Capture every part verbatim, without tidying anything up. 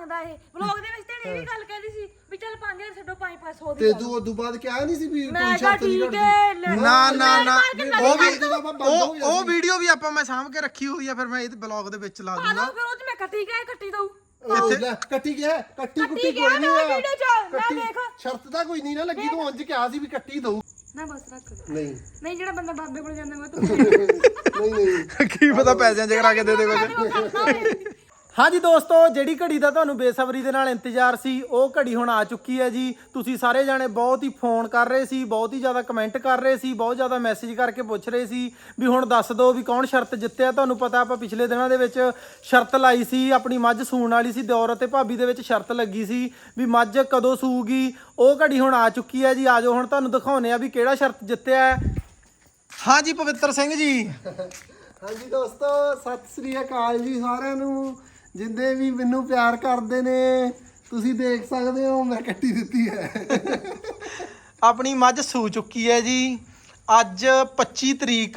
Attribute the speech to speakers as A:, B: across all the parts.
A: ਮੰਗਦਾ ਇਹ ਵਲੌਗ ਦੇ ਵਿੱਚ ਤੇ ਇਹ ਵੀ ਗੱਲ ਕਹਿੰਦੀ ਸੀ ਵੀ ਚੱਲ ਪੰਜ ਹਜ਼ਾਰ ਛੱਡੋ ਪੰਜ ਪੰਜ ਸੌ ਦੀ
B: ਤੇ ਤੂੰ ਉਦੋਂ ਬਾਅਦ ਕਿਹਾ ਨਹੀਂ ਸੀ ਵੀ
A: ਮੈਂ
B: ਕੋਈ
A: ਕਿਹਾ
B: ਸ਼ਰਤ ਨਹੀਂ
A: ਠੀਕ ਹੈ
C: ਨਾ ਨਾ ਨਾ ਉਹ ਵੀ
B: ਬੰਦ
C: ਉਹ
B: ਹੋ
C: ਉਹ ਵੀਡੀਓ ਵੀ ਆਪਾਂ ਮੈਂ ਸਾਂਭ ਕੇ ਰੱਖੀ ਹੋਈ ਆ ਫਿਰ ਮੈਂ ਇਹ ਬਲੌਗ ਦੇ ਵਿੱਚ ਲਾ
A: ਆ
C: ਦੂੰਗਾ
A: ਲਓ ਫਿਰ ਉਹ ਚ ਮੈਂ ਕੱਟੀ ਗਿਆ ਕੱਟੀ ਦਊ
B: ਲੈ ਕੱਟੀ ਗਿਆ ਕੱਟੀ ਕੁੱਟੀ
A: ਗਿਆ
B: ਕੋਈ ਨਹੀਂ
A: ਨਾ
B: ਆ
A: ਵੀਡੀਓ ਚ ਲੈ ਦੇਖ
B: ਸ਼ਰਤ ਤਾਂ ਕੋਈ ਨਹੀਂ ਨਾ ਲੱਗੀ ਤੂੰ ਉਂਝ ਕਿਹਾ ਸੀ ਵੀ ਕੱਟੀ ਦਊ
A: ਨਾ ਬਸ ਰੱਖ
B: ਨਹੀਂ
A: ਨਹੀਂ ਜਿਹੜਾ ਬੰਦਾ ਬਾਬੇ ਕੋਲ ਜਾਂਦਾ ਮੈਂ ਤੂੰ
B: ਨਹੀਂ ਨਹੀਂ
C: ਕੀ ਪਤਾ ਪੈਸਿਆਂ ਚ ਕਰਾ ਕੇ ਦੇ ਦੇ ਕੁਝ ਹਾਂਜੀ ਦੋਸਤੋ ਜਿਹੜੀ ਘੜੀ ਦਾ ਤੁਹਾਨੂੰ ਬੇਸਬਰੀ ਦੇ ਨਾਲ ਇੰਤਜ਼ਾਰ ਸੀ ਉਹ ਘੜੀ ਹੁਣ ਆ ਚੁੱਕੀ ਹੈ ਜੀ। ਤੁਸੀਂ ਸਾਰੇ ਜਾਣੇ ਬਹੁਤ ਹੀ ਫੋਨ ਕਰ ਰਹੇ ਸੀ, ਬਹੁਤ ਹੀ ਜ਼ਿਆਦਾ ਕਮੈਂਟ ਕਰ ਰਹੇ ਸੀ, ਬਹੁਤ ਜ਼ਿਆਦਾ ਮੈਸੇਜ ਕਰਕੇ ਪੁੱਛ ਰਹੇ ਸੀ ਵੀ ਹੁਣ ਦੱਸ ਦਿਓ ਵੀ ਕੌਣ ਸ਼ਰਤ ਜਿੱਤਿਆ। ਤੁਹਾਨੂੰ ਪਤਾ ਆਪਾਂ ਪਿਛਲੇ ਦਿਨਾਂ ਦੇ ਵਿੱਚ ਸ਼ਰਤ ਲਾਈ ਸੀ, ਆਪਣੀ ਮੱਝ ਸੂਣ ਵਾਲੀ ਸੀ, ਦਿਓਰ ਅਤੇ ਭਾਬੀ ਦੇ ਵਿੱਚ ਸ਼ਰਤ ਲੱਗੀ ਸੀ ਵੀ ਮੱਝ ਕਦੋਂ ਸੂਗੀ। ਉਹ ਘੜੀ ਹੁਣ ਆ ਚੁੱਕੀ ਹੈ ਜੀ। ਆਜੋ ਹੁਣ ਤੁਹਾਨੂੰ ਦਿਖਾਉਂਦੇ ਆ ਵੀ ਕਿਹੜਾ ਸ਼ਰਤ ਜਿੱਤਿਆ ਹੈ। ਹਾਂਜੀ ਪਵਿੱਤਰ ਸਿੰਘ ਜੀ।
B: ਹਾਂਜੀ ਦੋਸਤੋ ਸਤਿ ਸ੍ਰੀ ਅਕਾਲ ਜੀ ਸਾਰਿਆਂ ਨੂੰ, ਜਿੰਦੇ ਵੀ ਮੈਨੂੰ ਪਿਆਰ ਕਰਦੇ ਨੇ। ਤੁਸੀਂ ਦੇਖ ਸਕਦੇ ਹੋ ਮੈਂ ਕੱਟੀ ਦਿੱਤੀ ਹੈ।
C: ਆਪਣੀ ਮੱਝ ਸੂ ਚੁੱਕੀ ਹੈ ਜੀ। ਅੱਜ ਪੱਚੀ ਤਰੀਕ,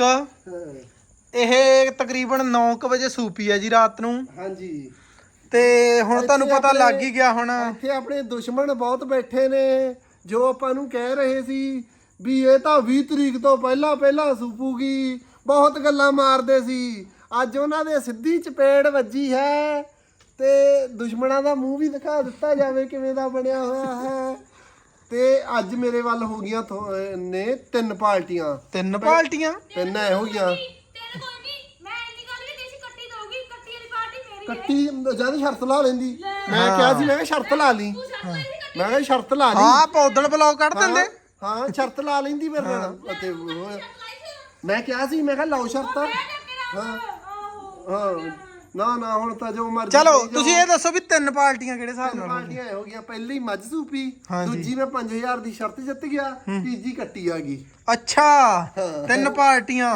C: ਇਹ ਤਕਰੀਬਨ ਨੌ ਕੁ ਵਜੇ ਸੂਪੀ ਹੈ ਜੀ ਰਾਤ ਨੂੰ।
B: ਹਾਂਜੀ
C: ਤੇ ਹੁਣ ਤੁਹਾਨੂੰ ਪਤਾ ਲੱਗ ਹੀ ਗਿਆ ਹੁਣ।
B: ਇੱਥੇ ਆਪਣੇ ਦੁਸ਼ਮਣ ਬਹੁਤ ਬੈਠੇ ਨੇ ਜੋ ਆਪਾਂ ਨੂੰ ਕਹਿ ਰਹੇ ਸੀ ਵੀ ਇਹ ਤਾਂ ਵੀਹ ਤਰੀਕ ਤੋਂ ਪਹਿਲਾਂ ਪਹਿਲਾਂ ਸੂਪੂਗੀ, ਬਹੁਤ ਗੱਲਾਂ ਮਾਰਦੇ ਸੀ। ਅੱਜ ਉਹਨਾਂ ਦੇ ਸਿੱਧੀ ਚਪੇੜ ਵੱਜੀ ਹੈ ਤੇ ਦੁਸ਼ਮਣਾਂ ਦਾ ਮੂੰਹ ਵੀ ਦਿਖਾ ਦਿੱਤਾ ਜਾਵੇ ਕਿਵੇਂ ਦਾ ਬਣਿਆ ਹੋਇਆ ਹੈ। ਤੇ ਅੱਜ ਮੇਰੇ ਵੱਲ ਹੋ ਗਈਆਂ ਨੇ ਤਿੰਨ ਪਾਰਟੀਆਂ।
C: ਤਿੰਨ ਪਾਰਟੀਆਂ
B: ਤਿੰਨ ਐ ਹੋ ਗਈਆਂ।
A: ਤੇਰੇ ਕੋਈ ਨਹੀਂ ਮੈਂ ਇੰਨੀ ਗੱਲ ਵੀ ਦੇਸੀ ਕੱਟੀ ਦਊਗੀ, ਕੱਟੀ ਵਾਲੀ ਪਾਰਟੀ ਮੇਰੀ ਹੈ।
B: ਕੱਟੀ ਜਦ ਸ਼ਰਤ ਲਾ ਲੈਂਦੀ, ਮੈਂ ਕਿਹਾ ਸੀ ਮੈਂ ਕਿਹਾ ਸ਼ਰਤ ਲਾ ਲਈ,
A: ਤੂੰ ਸ਼ਰਤ ਲਈ ਸੀ
B: ਮੈਂ ਕਿਹਾ ਸ਼ਰਤ ਲਾ ਲਈ।
C: ਹਾਂ ਪੌਦਣ ਬਲੌਗ ਕੱਢ ਦਿੰਦੇ।
B: ਹਾਂ ਸ਼ਰਤ ਲਾ ਲੈਂਦੀ ਮੇਰੇ ਨਾਲ। ਅਤੇ ਉਹ- ਮੈਂ ਕਿਹਾ ਸੀ ਮੈਂ ਕਿਹਾ ਲਾਓ ਸ਼ਰਤ। ਹਾਂ ਹਾਂ ਨਾ ਨਾ ਹੁਣ ਤਾਂ ਜੋ ਮਰਜ਼ੀ
C: ਚਲੋ
B: ਕਰੀ ਜਾਓ।
C: ਤੁਸੀਂ ਇਹ ਦੱਸੋ ਵੀ ਤਿੰਨ ਪਾਰਟੀਆਂ ਕਿਹੜੇ ਹਿਸਾਬ
B: ਤਿੰਨ
C: ਨਾਲ?
B: ਪਾਰਟੀਆਂ ਹੋ ਗਈਆਂ। ਪਹਿਲੀ ਮੱਝ ਸੂਪੀ,
C: ਹਾਂਜੀ।
B: ਦੂਜੀ ਮੈਂ ਪੰਜ ਹਜ਼ਾਰ ਦੀ ਸ਼ਰਤ ਜਿੱਤ ਗਿਆ, ਤੀਜੀ ਕੱਟੀ ਆ ਗਈ।
C: ਅੱਛਾ ਤਿੰਨ ਪਾਰਟੀਆਂ।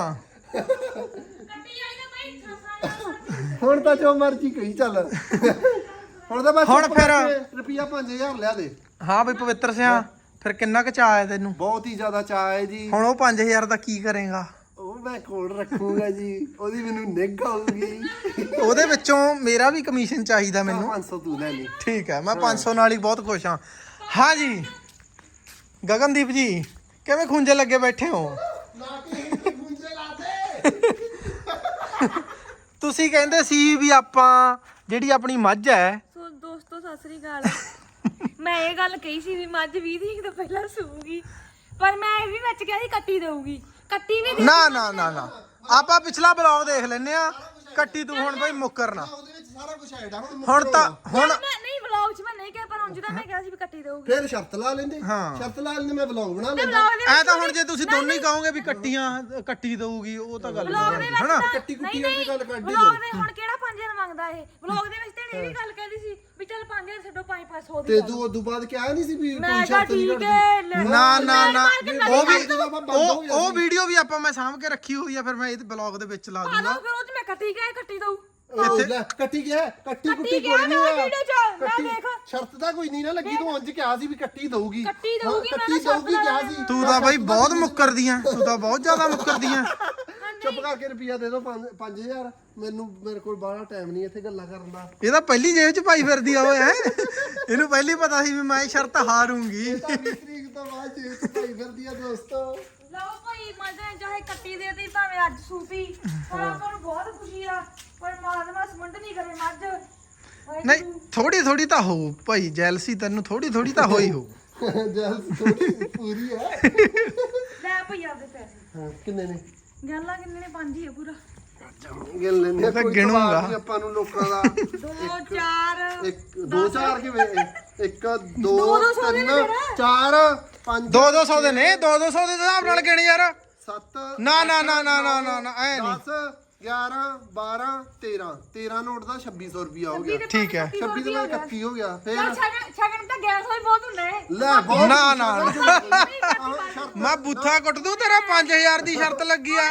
A: ਕੱਟੀ ਵਾਲੀ ਤਾਂ ਭਾਈ ਖਾਸਾ
B: ਹੁਣ ਤਾਂ ਜੋ ਮਰਜ਼ੀ ਕਹੀ ਚੱਲ। ਹੁਣ ਤਾਂ ਬਸ
C: ਹੁਣ ਫਿਰ
B: ਰੁਪਿਆ ਪੰਜ ਹਜ਼ਾਰ ਲਿਆ ਦੇ।
C: ਹਾਂ ਬਈ ਪਵਿੱਤਰ ਸਿਆ ਫਿਰ ਕਿੰਨਾ ਕੁ ਚਾਅ ਹੈ ਤੈਨੂੰ?
B: ਬਹੁਤ ਹੀ ਜ਼ਿਆਦਾ ਚਾਅ ਹੈ ਜੀ।
C: ਹੁਣ ਉਹ ਪੰਜ ਹਜ਼ਾਰ ਦਾ ਕੀ ਕਰੇਗਾ?
B: ਉਹ ਮੈਂ ਕੋਲ ਰੱਖੂਗਾ ਜੀ, ਉਹਦੀ ਮੈਨੂੰ ਨਿੱਘ ਆਊਗੀ।
C: ਉਹਦੇ ਵਿੱਚੋਂ ਮੇਰਾ ਵੀ ਕਮਿਸ਼ਨ ਚਾਹੀਦਾ ਮੈਨੂੰ।
B: ਪੰਜ ਸੌ ਤੂੰ ਲੈ ਲਈ।
C: ਠੀਕ ਹੈ ਮੈਂ ਪੰਜ ਸੌ ਨਾਲ ਹੀ ਬਹੁਤ ਖੁਸ਼ ਹਾਂ। ਹਾਂ ਜੀ ਗਗਨਦੀਪ ਜੀ ਕਿਵੇਂ ਖੁੰਝੇ ਲੱਗੇ ਬੈਠੇ ਹੋ? ਤੁਸੀਂ ਕਹਿੰਦੇ ਸੀ ਵੀ ਆਪਾਂ ਜਿਹੜੀ ਆਪਣੀ ਮੱਝ ਹੈ।
A: ਸੋ ਦੋਸਤੋ ਸਤਿ ਸ੍ਰੀ ਅਕਾਲ। ਮੈਂ ਇਹ ਗੱਲ ਕਹੀ ਸੀ ਵੀ ਮੱਝ ਵੀਹ ਤਰੀਕ ਤੋਂ ਪਹਿਲਾਂ ਸੂਗੀ, ਪਰ ਮੈਂ ਇਹ ਵੀ ਵਿੱਚ ਕਿਹਾ ਸੀ ਕੱਟੀ ਦਊਗੀ। ਕੱਟੀ ਵੀ ਦੇ-
C: ਨਾ ਨਾ ਨਾ ਨਾ ਆਪਾਂ ਪਿਛਲਾ ਬਲੌਗ ਦੇਖ ਲੈਨੇ ਆ। ਕੱਟੀ ਤੂੰ ਹੁਣ ਬਈ ਮੁੱਕਰਨਾ।
B: ਉਹਦੇ ਵਿੱਚ ਸਾਰਾ ਕੁਝ ਐਡ ਆ। ਹੁਣ
C: ਹੁਣ ਤਾਂ ਹੁਣ
A: ਮੈਂ ਨਹੀਂ ਵਲੌਗ 'ਚ ਮੈਂ ਨਹੀਂ ਕਿਹਾ, ਪਰ ਉਂਝ ਤਾਂ ਮੈਂ ਕਿਹਾ ਸੀ ਵੀ ਕੱਟੀ ਦਊਗੀ।
B: ਫਿਰ ਸ਼ਰਤ ਲਾ ਲੈਂਦੇ।
C: ਹਾਂ।
B: ਸ਼ਰਤ ਲਾ ਲੈਂਦੇ, ਮੈਂ ਵਲੌਗ ਬਣਾ ਲੈਂਦਾ।
A: ਵਲੌਗ ਦੇ
C: ਐ
A: ਵਿੱਚ
C: ਤਾਂ ਹੁਣ ਜੇ ਤੁਸੀਂ ਦੋਨੋਂ ਹੀ ਕਹੋਗੇ ਵੀ ਕੱਟੀਆਂ ਕੱਟੀ ਦਊਗੀ ਉਹ ਤਾਂ ਗੱਲ
A: ਵਲੌਗ ਦੇ
C: ਨਹੀਂ
A: ਵਿੱਚ
C: ਹਨਾ।
A: ਤਾਂ-
B: ਕੱਟੀ ਕੁੱਟੀ
A: ਨਹੀਂ,
B: ਵਾਲੀ ਗੱਲ ਕੱਢ ਹੀ
A: ਵਲੌਗ
B: ਦਿਓ।
A: ਦੇ ਹੁਣ ਕਿਹੜਾ ਪੰਜ ਹਜ਼ਾਰ ਮੰਗਦਾ ਇਹ ਵਲੌਗ ਦੇ ਵਿੱਚ ਤੇ ਇਹ ਵੀ ਗੱਲ ਕਹਿੰਦੀ ਸੀ ਵੀ ਚੱਲ ਪੰਜ ਹਜ਼ਾਰ ਛੱਡੋ ਪੰਜ ਪੰਜ ਸੌ ਦੀ
B: ਤੇ
A: ਗੱਲ।
B: ਤੂੰ ਉਦੋਂ ਬਾਅਦ ਕਿਹਾ ਨਹੀਂ ਸੀ ਵੀ
A: ਮੈਂ
B: ਕੋਈ
A: ਕਿਹਾ
B: ਸ਼ਰਤ ਨਹੀਂ
A: ਠੀਕ
B: ਕੱਢਦੀ।
A: ਹੈ ਲੈ-
C: ਨਾ ਨਾ ਨਾ ਉਹ ਵੀ
B: ਬੰਦ
C: ਉਹ
B: ਹੋ
C: ਉਹ ਵੀਡੀਓ ਵੀ ਆਪਾਂ ਮੈਂ ਸਾਂਭ ਕੇ ਰੱਖੀ ਹੋਈ ਆ ਫਿਰ ਮੈਂ ਇਹ ਬਲੌਗ ਦੇ ਵਿੱਚ ਲਾ
A: ਆ
C: ਦੂੰਗਾ।
A: ਲਓ ਫਿਰ ਉਹ 'ਚ ਮੈਂ ਕੱਟੀ ਗਿਆ ਕੱਟੀ ਦਊ।
B: ਇੱਥੇ ਲੈ ਕੱਟੀ ਗਿਆ, ਕੱਟੀ ਕੁੱਟੀ
A: ਗਿਆ
B: ਕੋਈ ਨਹੀਂ
A: ਨਾ
B: ਆ।
A: ਵੀਡੀਓ 'ਚ, ਲੈ
B: ਕੱਟੀ
A: ਦੇਖ।
B: ਸ਼ਰਤ ਤਾਂ ਕੋਈ ਨਹੀਂ ਨਾ ਲੱਗੀ, ਤੂੰ ਉਂਝ ਕਿਹਾ ਸੀ ਵੀ ਕੱਟੀ ਦਊਗੀ।
A: ਕੱਟੀ ਦਊਗੀ,
B: ਹਾਂ,
A: ਮੈਂ
B: ਕੱਟੀ
A: ਤਾਂ ਸ਼ਰਤ
B: ਦਊਗੀ ਕਿਹਾ
A: ਲਾ
B: ਸੀ।
C: ਤੂੰ ਤਾਂ ਬਈ ਬਹੁਤ ਮੁੱਕਰਦੀਆਂ, ਤੂੰ ਤਾਂ ਬਹੁਤ ਜ਼ਿਆਦਾ ਮੁੱਕਰਦੀਆਂ।
B: ਚੁੱਪ ਕਰਕੇ ਰੁਪਿਆ ਦੇ ਦੋ ਪੰਜ ਹਜ਼ਾਰ। ਮੈਨੂੰ ਮੇਰੇ ਕੋਲ ਬਾਹਲਾ ਟਾਈਮ ਨਹੀਂ ਇੱਥੇ ਗੱਲਾਂ ਕਰਨ ਦਾ।
C: ਇਹ ਤਾਂ ਪਹਿਲੀ ਜੇਬ 'ਚ ਪਾਈ ਫਿਰਦੀ ਆ ਓਏ ਹੈ। ਇਹਨੂੰ ਪਹਿਲੀ ਪਤਾ ਸੀ ਵੀ ਮੈਂ ਇਹ ਸ਼ਰਤ ਹਾਰੂੰਗੀ।
B: ਇਹ ਤਾਂ ਵੀਹ ਤਰੀਕ ਤੋਂ ਬਾਅਦ ਜੇਬ ਚ ਪਾਈ ਫਿਰਦੀ ਆ ਦੋਸਤੋ।
A: ਲਓ ਭਾਈ ਮਜ਼ੇ ਚਾਹੇ ਕੱਟੀ ਦੇ ਤੇ ਭਾਵੇਂ ਅੱਜ ਸੂਪੀ, ਪਰ ਆਪਾਂ ਨੂੰ ਬਹੁਤ ਖੁਸ਼ੀ ਆ। ਪਰ ਮਾਜ਼ਮਾ ਸਮੰਡ ਨਹੀਂ ਕਰੇ ਮੱਝ।
C: ਨਹੀਂ ਥੋੜੀ ਥੋੜੀ ਤਾਂ ਹੋਊ ਭਾਈ, ਜੈਲਸੀ ਤੈਨੂੰ ਥੋੜੀ ਥੋੜੀ ਤਾਂ ਹੋਈ ਹੋਊ।
B: ਜਲ ਥੋੜੀ ਪੂਰੀ ਹੈ।
A: ਲੈ ਭਈ ਆਪਦੇ ਪੈਸੇ।
B: ਹਾਂ ਕਿੰਨੇ ਨੇ?
A: ਗੱਲਾਂ ਕਿੰਨੇ ਨੇ? ਪੰਜ ਹੀ ਆ ਪੂਰਾ।
B: ਗਿਣ ਲੈਂਦੇ ਆ,
C: ਤਾਂ
B: ਕੋਈ
C: ਗਿਣੂੰਗਾ।
B: ਜਵਾਬ ਨਹੀਂ ਆਪਾਂ ਨੂੰ ਲੋਕਾਂ ਦਾ।
A: ਦੋ ਚਾਰ
B: ਇੱਕ ਦੋ ਚਾਰ ਕਿਵੇਂ? ਇੱਕ ਦੋ
A: ਦੋ ਦੋ ਸੌ ਦੇ ਨੇ
B: ਤਿੰਨ
A: ਫਿਰ।
B: ਚਾਰ ਪੰਜ
C: ਦੋ ਦੋ ਸੌ ਦੇ ਨੇ, ਦੋ ਦੋ ਸੌ ਦੇ ਹਿਸਾਬ ਨਾਲ ਗਿਣ ਯਾਰ।
B: ਸੱਤ
C: ਨਾ ਨਾ ਨਾ ਨਾ ਨਾ ਨਾ ਨਾ ਐ ਨਹੀਂ।
B: ਦਸ ਗਿਆਰਾਂ ਬਾਰਾਂ ਤੇਰਾਂ ਤੇਰਾਂ ਨੋਟ ਦਾ ਛੱਬੀ ਸੌ ਰੁਪਿਆ ਹੋ ਗਿਆ।
C: ਠੀਕ ਹੈ।
B: ਛੱਬੀ ਤੋਂ ਬਾਅਦ ਇਕੱਤੀ ਹੋ ਗਿਆ। ਫਿਰ
A: ਚੱਲ ਛਗਣ ਛਗਣ ਤਾਂ ਗੈਸ ਹੋਈ ਬਹੁਤ ਹੁੰਦਾ ਹੈ।
B: ਲੈ ਬਹੁਤ
C: ਨਾ ਨਾ ਨਾ।
B: ਸ਼ਰਤ
C: ਮੈਂ ਬੁੱਥਾ ਕੁੱਟ ਦੂੰ ਤੇਰਾ ਪੰਜ ਹਜ਼ਾਰ ਦੀ ਸ਼ਰਤ ਲੱਗੀ ਆ।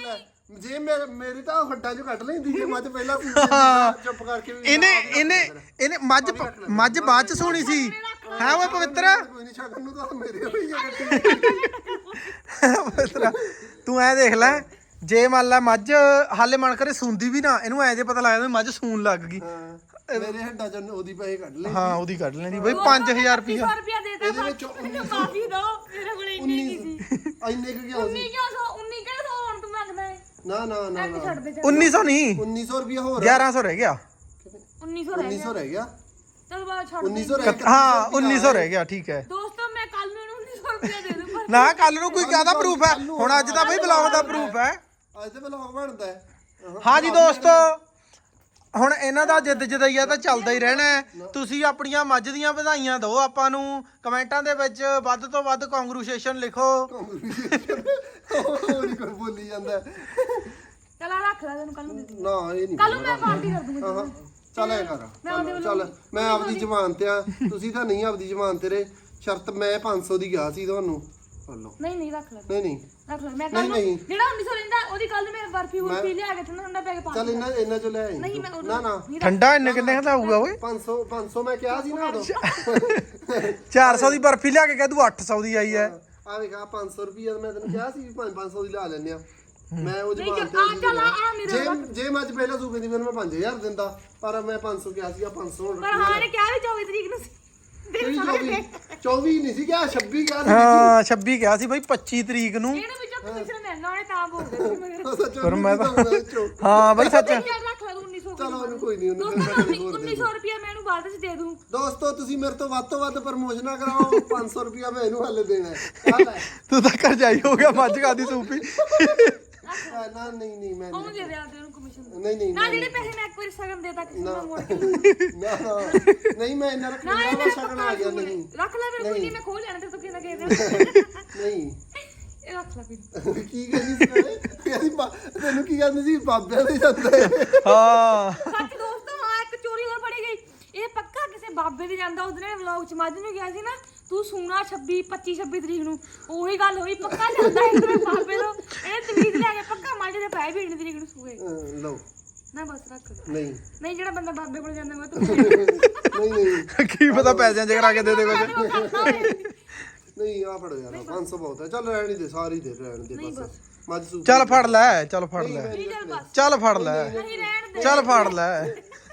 B: ਜੇ ਮੇਰੇ ਮੇਰੀ ਤਾਂ ਹੱਡਾਂ ਚੋਂ ਕੱਢ ਲੈਂਦੀ ਜੇ ਮੱਝ ਪਹਿਲਾਂ ਸੀ ਚੁੱਪ ਕਰਕੇ ਵੀ
C: ਇਹਨੇ ਇਹਨੇ ਇਹਨੇ ਮੱਝ ਮੱਝ ਬਾਅਦ ਚ ਸੋਣੀ ਸੀ ਹੈ ਓਏ ਪਵਿੱਤਰ।
B: ਕੋਈ ਨਹੀਂ ਛਕਣ ਨੂੰ ਤਾਂ ਮੇਰੇ ਹੋਈ ਆ ਗੱਡੀ।
C: ਪਵਿੱਤਰ ਤੂੰ ਐ ਦੇਖ ਲੈ, ਜੇ ਮੰਨ ਲੈ ਮੱਝ ਹਾਲੇ ਮਨ ਕਰੇ ਸੂੰਦੀ ਵੀ ਨਾ, ਇਹਨੂੰ ਐ ਜੇ ਪਤਾ ਲੱਗਦਾ ਵੀ ਮੱਝ ਸੂਣ ਲੱਗ ਗਈ।
B: ਮੇਰੇ ਹੱਡਾਂ ਚ ਉਹਦੀ ਪੈਸੇ ਕੱਢ ਲੈ।
C: ਹਾਂ ਉਹਦੀ ਕੱਢ ਲੈਣੀ ਬਈ ਪੰਜ ਹਜ਼ਾਰ ਰੁਪਇਆ
A: ਸੌ ਰੁਪਇਆ ਦੇਤਾ
B: ਇਹਦੇ ਵਿੱਚੋਂ
A: ਮੈਨੂੰ ਮਾਫੀ ਦੋ ਮੇਰੇ ਕੋਲ ਇੰਨੀ ਨਹੀਂ ਸੀ
B: ਇੰਨੇ ਕੁ ਕਿਉਂ
A: ਉੱਨੀ
B: ਸੀ?
A: ਕਿਉਂ ਸੌ ਉੱਨੀ ਕਿਹੜਾ ਸੌ ਹੁਣ ਤੂੰ ਮੰਗਦਾ ਹੈ
B: ਨਾ ਨਾ ਨਾ
A: ਇੱਕ
B: ਨਾ
A: ਛੱਡ ਦੇ ਚੱਲ
C: ਉੱਨੀ ਸੌ ਨਹੀਂ
B: ਉੱਨੀ ਸੌ ਰੁਪਇਆ ਹੋਰ
C: ਗਿਆਰਾਂ ਸੌ ਰਹਿ ਗਿਆ।
A: ਉੱਨੀ ਸੌ ਰਹਿ
B: ਉੱਨੀ
A: ਗਿਆ
B: ਸੌ ਰਹਿ ਗਿਆ।
A: ਚਲ ਬਾਅਦ ਛੱਡ
B: ਉੱਨੀ
A: ਦੇ
B: ਸੌ ਰਹਿ ਗਿਆ।
C: ਹਾਂ ਉੱਨੀ ਸੌ ਰਹਿ ਗਿਆ ਠੀਕ ਹੈ।
A: ਦੋਸਤੋ ਮੈਂ ਕੱਲ ਨੂੰ ਇਹਨੂੰ ਉੱਨੀ ਸੌ ਰੁਪਇਆ ਦੇ ਦੂੰ ਪਰ
C: ਨਾ ਕੱਲ ਨੂੰ ਕੋਈ ਕਾਹਦਾ ਪ੍ਰੂਫ ਹੈ ਹੁਣ ਅੱਜ ਤਾਂ ਬਈ ਬਲੌਗ ਦਾ ਪ੍ਰੂਫ ਹੈ।
B: ਅੱਜ ਤੇ ਵਲੌਗ ਬਣਦਾ ਹੈ।
C: ਹਾਂ ਜੀ ਦੋਸਤੋ ਹੁਣ ਇਹਨਾਂ ਦਾ ਜਿੱਦ ਜਦਈਆ ਤਾਂ ਚੱਲਦਾ ਹੀ ਰਹਿਣਾ ਹੈ। ਤੁਸੀਂ ਆਪਣੀਆਂ ਮੱਝ ਦੀਆਂ ਵਧਾਈਆਂ ਦਿਓ ਆਪਾਂ ਨੂੰ ਕਮੈਂਟਾਂ ਦੇ ਵਿੱਚ ਵੱਧ ਤੋਂ ਵੱਧ ਕੰਗਰੈਚੁਲੇਸ਼ਨ ਲਿਖੋ।
B: ਉਹ ਨਹੀਂ ਕੋਈ ਬੋਲੀ ਜਾਂਦਾ।
A: ਚਲ ਆ ਰੱਖ ਲੈ ਤੈਨੂੰ ਕੱਲ ਨੂੰ ਦੇ ਦੂੰ
B: ਨਾ ਇਹ ਨਹੀਂ
A: ਕੱਲ ਨੂੰ ਮੈਂ ਪਾਰਟੀ ਕਰ ਦੂੰਗੀ
B: ਹਾਂ ਚੱਲ ਐ ਕਰ
A: ਮੈਂ ਉਹਦੇ ਵੱਲੋਂ-
B: ਚੱਲ ਮੈਂ ਆਪਦੀ ਜ਼ਮਾਨ ਤੇ ਆ ਤੁਸੀਂ ਤਾਂ ਨਹੀਂ ਆਪਦੀ ਜ਼ਮਾਨ ਤੇ ਰੇ ਸ਼ਰਤ ਮੈਂ ਪੰਜ ਸੌ ਦੀ ਗਿਆ ਸੀ ਤੁਹਾਨੂੰ ਲਓ
A: ਨਹੀਂ ਨਹੀਂ ਰੱਖ ਲੈ
B: ਨਹੀਂ ਨਹੀਂ
A: ਰੱਖ ਲੈ ਮੈਂ ਕੱਲ
B: ਨਹੀਂ,
A: ਨੂੰ
B: ਨਹੀਂ।
A: ਜਿਹੜਾ ਉੱਨੀ ਸੌ ਲੈਂਦਾ ਉਹਦੀ ਕੱਲ ਨੂੰ ਮੈਂ ਬਰਫੀ ਬਰਫੀ ਲਿਆ ਕੇ ਠੰਡਾ ਠੰਡਾ ਪੈ ਕੇ ਪਾ
B: ਚੱਲ ਇਹਨਾਂ ਇਹਨਾਂ ਚੋਂ ਲੈ ਆਈ
A: ਨਹੀਂ ਮੈਂ
B: ਤੂੰ। ਨਾ ਨਾ
A: ਨਹੀਂ ਰੱਖ-
C: ਠੰਡਾ ਇੰਨੇ ਕਿੰਨੇ ਦਾ ਹੋਊਗਾ ਓਏ
B: ਪੰਜ ਸੌ ਪੰਜ ਸੌ ਮੈਂ ਕਿਹਾ ਸੀ ਨਾ ਉਦੋਂ
C: ਚਾਰ ਸੌ ਦੀ ਬਰਫੀ ਲਿਆ ਕੇ ਕਹਿ ਤੂੰ ਅੱਠ ਸੌ ਦੀ ਆਈ ਹੈ।
B: ਆ ਵੇਖ ਆ ਪੰਜ ਸੌ ਰੁਪਈਆ ਮੈਂ ਤੈਨੂੰ ਕਿਹਾ ਸੀ ਵੀ ਪੰਜ ਪੰਜ ਸੌ ਦੀ ਲਾ ਲੈਨੇ ਆ ਮੈਂ ਉਹ
A: ਨਹੀਂ
B: ਜ਼ਮਾਨ
A: ਚੱਲ ਆ
B: ਤੇ
A: ਚੱਲ ਆ ਆ ਮੇਰੇ
B: ਜੇ ਜੇ ਮੈਂ ਅੱਜ ਪਹਿਲਾਂ ਸੂਬੇ ਦੀ ਮੈਨੂੰ ਮੈਂ ਪੰਜ ਹਜ਼ਾਰ ਦਿੰਦਾ ਪਰ ਮੈਂ ਪੰਜ ਸੌ ਕਿਹਾ ਸੀ ਆ ਪੰਜ ਸੌ ਹੁਣ
A: ਪਰ ਹਾਂ ਨੇ ਕਿਹਾ ਵੀ ਚੌਵੀ ਤਰੀਕ ਨੂੰ ਸੀ
B: ਕਿਹੜੀ ਚੌਵੀ ਚੌਵੀ ਨਹੀਂ ਸੀ ਕਿਹਾ ਛੱਬੀ ਕਿਹਾ ਸੀ
C: ਹਾਂ ਛੱਬੀ ਕਿਹਾ ਸੀ ਬਈ ਪੱਚੀ ਤਰੀਕ ਨੂੰ।
A: ਇਹਨੂੰ ਵਿੱਚੋਂ ਕਮਿਸ਼ਨ ਮਿਲਣਾ ਉਹਨੇ ਤਾਂ ਬੋਲਦੇ ਸੀ ਮਗਰ
B: ਸੱਚ
C: ਪਰ ਮੈਂ ਤਾਂ-
B: ਤਾਂ
C: ਹਾਂ ਬਈ ਸੱਚ
A: ਚੱਲ ਰੱਖ ਲੈ ਤੂੰ ਉੱਨੀ ਸੌ
B: ਚਲੋ ਉਹਨੂੰ ਕੋਈ ਨਹੀਂ ਉਹਨੂੰ ਫਿਰ
A: ਦੋਸਤੋ
B: ਮੈਂ ਹੋਰ ਦੇ
A: ਉੱਨੀ ਸੌ ਰੁਪਇਆ ਮੈਂ ਇਹਨੂੰ ਬਾਅਦ ਵਿੱਚ ਦੇ ਦੂੰ
B: ਦੋਸਤੋ ਤੁਸੀਂ ਮੇਰੇ ਤੋਂ ਵੱਧ ਤੋਂ ਵੱਧ ਪ੍ਰਮੋਸ਼ਨਾਂ ਕਰਾਓ ਪੰਜ ਸੌ ਰੁਪਇਆ ਮੈਂ ਇਹਨੂੰ ਹੱਲੇ ਦੇਣਾ ਹੈ ਆ ਲੈ
C: ਤੂੰ ਤਾਂ ਕਰਜਾਈ ਹੋ ਗਿਆ ਮੱਝ ਖਾਦੀ ਸੂਪੀ।
B: ਆ, ਨਾ ਨਹੀਂ ਨਹੀਂ ਮੈਂ
A: ਉਹਨੂੰ ਦੇ ਦੇ ਆ ਦੇ ਉਹਨੂੰ ਕਮਿਸ਼ਨ
B: ਨਹੀਂ ਨਹੀਂ
A: ਨਾ ਜਿਹੜੇ ਪੈਸੇ ਮੈਂ ਇੱਕ ਵਾਰੀ ਸਗਨ ਦੇਤਾ ਕਿਸੇ ਨੂੰ ਮੋੜ ਕੇ
B: ਨਾ ਨਾ ਨਹੀਂ ਮੈਂ ਇਹਨਾਂ ਰੱਖਣਾ
A: ਨਾ ਇਹ
B: ਵਾ
A: ਮੇਰਾ
B: ਸ਼ਗਨ
A: ਪੱਕਾ
B: ਆ ਗਿਆ
A: ਅਸੂਲ ਹੈ।
B: ਨਹੀਂ
A: ਰੱਖ ਲੈ ਮੇਰੇ ਕੋਈ ਨਹੀਂ ਮੈਂ ਖੋਲ ਲੈਣਾ ਤੇ ਤੂੰ ਕਿਹਨਾਂ ਕਹਿ ਦੇ
B: ਨਹੀਂ
A: ਇਹ ਰੱਖ ਲੈ ਫਿਰ
B: ਕੀ ਕਹਿੰਦੀ ਸੀ ਨਾਲੇ? ਕਹਿੰਦੀ ਬਾ- ਤੈਨੂੰ ਕੀ ਕਹਿੰਦੀ ਸੀ ਬਾਬਿਆਂ ਦੇ ਜਾਂਦਾ ਹੈ
C: ਹਾਂ
A: ਸੱਚ ਦੋਸਤੋ ਹਾਂ ਇੱਕ ਚੋਰੀ ਹੋਰ ਫੜੀ ਗਈ ਇਹ ਪੱਕਾ ਕਿਸੇ ਬਾਬੇ ਦੇ ਜਾਂਦਾ ਉਹਦੇ ਨੇ ਵਲੌਗ ਚ ਮੱਝ ਨੂੰ ਗਿਆ ਸੀ ਨਾ ਤੂੰ ਸੂਣਾ ਛੱਬੀ ਪੱਚੀ ਛੱਬੀ ਤਰੀਕ ਨੂੰ ਉਹੀ ਗੱਲ ਹੋਈ ਪੱਕਾ ਜਾਂਦਾ ਇਹਦੇ ਬਾਬੇ ਤੋਂ ਇਹ ਤਵੀਤ ਲੈ ਕੇ ਪੱਕਾ ਮੱਝ ਦੇ ਪੈ ਵੀ ਤਰੀਕ ਨੂੰ ਸੂਏ
B: ਅਹ, ਲਓ
A: ਨਾ ਬਸ ਰੱਖ
B: ਨਹੀਂ
A: ਨਹੀਂ ਜਿਹੜਾ ਬੰਦਾ ਬਾਬੇ ਕੋਲ ਜਾਂਦਾ ਮੈਂ ਤੂੰ
B: ਨਹੀਂ ਨਹੀਂ
C: ਕੀ ਪਤਾ ਪੈਸਿਆਂ ਚ ਕਰਾ ਕੇ ਦੇ ਦੇ ਕੁਝ।
B: ਨਹੀਂ ਆ ਫੜੋ ਯਾਰ ਪੰਜ ਸੌ ਬਹੁਤ ਹੈ ਚੱਲ ਰਹਿਣ ਹੀ ਦੇ ਸਾਰੀ ਦੇ ਰਹਿਣ ਦੇ ਬਸ ਮੱਝ ਸੂ
C: ਚੱਲ ਫੜ ਲੈ ਚੱਲ ਫੜ ਲੈ
A: ਨਹੀਂ ਚੱਲ ਬਸ
C: ਚੱਲ ਫੜ ਲੈ
A: ਨਹੀਂ ਰਹਿਣ ਦੇ
C: ਚੱਲ ਫੜ ਲੈ।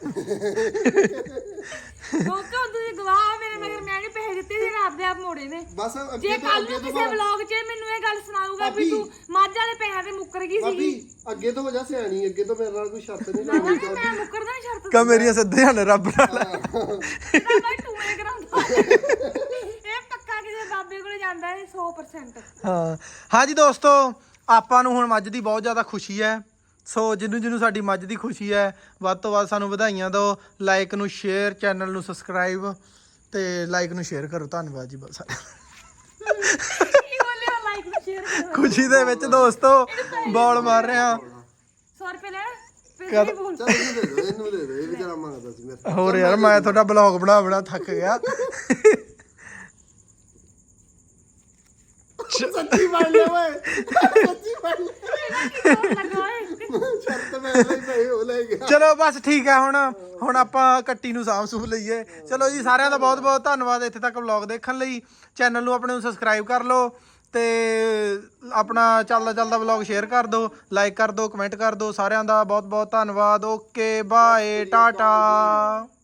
A: ਦੋਸਤੋ ਤੁਸੀਂ ਗਵਾਹ ਮੇਰੇ ਮਗਰ ਮੈਂ ਨਹੀਂ ਪੈਸੇ ਦਿੱਤੇ ਸੀ ਆਪਦੇ ਆਪ ਮੋੜੇ ਨੇ
B: ਬਸ
A: ਜੇ
B: ਅੱਗੇ ਤੋਂ
A: ਕੱਲ
B: ਅੱਗੇ
A: ਨੂੰ
B: ਤੋਂ
A: ਕਿਸੇ ਵਲੌਗ 'ਚ ਮੈਨੂੰ ਇਹ ਗੱਲ ਸੁਣਾਊਗਾ ਵੀ ਤੂੰ ਮੱਝ ਵਾਲੇ ਪੈਸਿਆਂ ਤੇ ਮੁੱਕਰ ਗਈ
B: ਭਾਬੀ
A: ਸੀਗੀ
B: ਅੱਗੇ ਤੋਂ ਹੋ ਜਾ ਸਿਆਣੀ ਅੱਗੇ ਤੋਂ ਮੇਰੇ ਨਾਲ ਕੋਈ ਸ਼ਰਤ ਨਹੀਂ
A: ਨਾ
B: ਲਾਉਣੀ
A: ਨਾ ਮੈਂ ਮੁੱਕਰਦਾ ਨਹੀਂ ਸ਼ਰਤ
C: ਕਾ ਮੇਰੀਆਂ ਸਿੱਧੀਆਂ ਨੇ ਰੱਬ ਨਾਲ।
A: ਨਾ ਮੈਂ ਟੂਏ ਕਰਾਉਂਦਾ ਇਹ ਪੱਕਾ ਕਿਸੇ ਬਾਬੇ ਕੋਲ ਜਾਂਦਾ ਹੈ ਸੌ ਪਰਸੈਂਟ
C: ਹਾਂ ਹਾਂ ਜੀ ਦੋਸਤੋ ਆਪਾਂ ਨੂੰ ਹੁਣ ਮੱਝ ਦੀ ਬਹੁਤ ਜ਼ਿਆਦਾ ਖੁਸ਼ੀ ਹੈ। ਸੋ ਜਿਹਨੂੰ ਜਿਹਨੂੰ ਸਾਡੀ ਮੱਝ ਦੀ ਖੁਸ਼ੀ ਹੈ ਵੱਧ ਤੋਂ ਵੱਧ ਸਾਨੂੰ ਵਧਾਈਆਂ ਦਿਓ। ਲਾਈਕ ਨੂੰ ਸ਼ੇਅਰ ਚੈਨਲ ਨੂੰ ਸਬਸਕ੍ਰਾਈਬ ਤੇ ਲਾਈਕ ਨੂੰ ਸ਼ੇਅਰ ਕਰੋ। ਧੰਨਵਾਦ ਜੀ ਬਸ।
A: ਕੀ ਬੋਲਿਆ ਲਾਈਕ ਨੂੰ ਸ਼ੇਅਰ ਕਰੋ
C: ਖੁਸ਼ੀ ਦੇ ਵਿੱਚ ਦੋਸਤੋ ਬੋਲ ਮਾਰ ਰਹੇ ਆ।
A: ਸੌ ਰੁਪਏ ਲੈਣ ਫਿਰ ਨਹੀਂ ਬੋਲ
B: ਚੱਲ ਇਹਨੂੰ ਦੇ ਦੋ ਇਹਨੂੰ ਦੇ ਦੋ ਇਹ ਵਿਚਾਰਾ ਮੰਗਦਾ ਸੀ ਮੇਰੇ ਤੋਂ।
C: ਹੋਰ ਯਾਰ ਮੈਂ ਤੁਹਾਡਾ ਬਲੌਗ ਬਣਾ ਬਣਾ ਥੱਕ ਗਿਆ।
B: ਸੱਚੀ ਬਣ ਲਿਆ ਓਏ ਸੱਚੀ ਬਣ ਲਿਆ
A: ਲੱਗਾ ਓਏ
B: ਸ਼ਰਤ ਮੈਂ ਲਈ ਪਈ ਉਹ ਲੈ ਗਿਆ
C: ਚਲੋ ਬਸ ਠੀਕ ਹੈ ਹੁਣ ਹੁਣ ਆਪਾਂ ਕੱਟੀ ਨੂੰ ਸਾਂਭ ਸੂਫ ਲਈਏ। ਚਲੋ ਜੀ ਸਾਰਿਆਂ ਦਾ ਬਹੁਤ ਬਹੁਤ ਧੰਨਵਾਦ ਇੱਥੇ ਤੱਕ ਵਲੌਗ ਦੇਖਣ ਲਈ। ਚੈਨਲ ਨੂੰ ਆਪਣੇ ਨੂੰ ਸਬਸਕ੍ਰਾਈਬ ਕਰ ਲਓ ਤੇ ਆਪਣਾ ਚੱਲਦਾ ਚੱਲਦਾ ਵਲੌਗ ਸ਼ੇਅਰ ਕਰ ਦਿਓ, ਲਾਈਕ ਕਰ ਦਿਓ, ਕਮੈਂਟ ਕਰ ਦਿਓ। ਸਾਰਿਆਂ ਦਾ ਬਹੁਤ ਬਹੁਤ ਧੰਨਵਾਦ। Okay bye Tata.